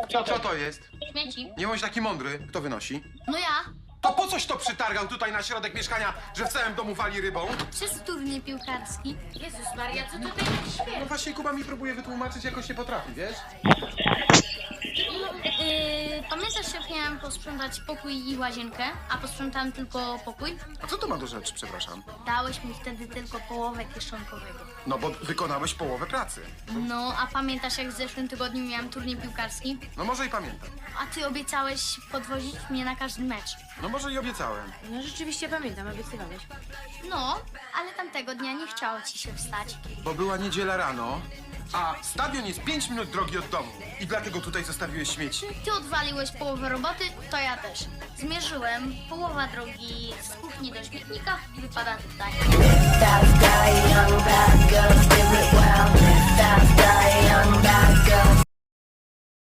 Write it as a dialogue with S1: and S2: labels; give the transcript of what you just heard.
S1: Co to jest?
S2: Śmieci.
S1: Nie bądź taki mądry. Kto wynosi?
S2: No ja.
S1: To po coś to przytargał tutaj na środek mieszkania, że w całym domu wali rybą?
S2: Przez turniej piłkarski.
S3: Jezus Maria, co tutaj tak
S1: No
S3: śmieje?
S1: właśnie Kuba mi próbuje wytłumaczyć, jakoś nie potrafi, wiesz?
S2: Pamiętasz, jak miałem posprzątać pokój i łazienkę, a posprzątałem tylko pokój?
S1: A co to ma do rzeczy, przepraszam?
S2: Dałeś mi wtedy tylko połowę kieszonkowego.
S1: No bo wykonałeś połowę pracy.
S2: No, a pamiętasz, jak w zeszłym tygodniu miałem turniej piłkarski?
S1: No może i pamiętam.
S2: A ty obiecałeś podwozić mnie na każdy mecz.
S1: No może i obiecałem.
S3: No rzeczywiście pamiętam, obiecywałeś.
S2: No, ale tamtego dnia nie chciało ci się wstać.
S1: Bo była niedziela rano, a stadion jest 5 minut drogi od domu. I dlatego tutaj zostawiłeś śmieci?
S2: Ty odwaliłeś połowę roboty, to ja też. Zmierzyłem, połowa drogi z kuchni do śmietnika wypada tutaj.
S4: That young bad girl, do it well. That young bad girl.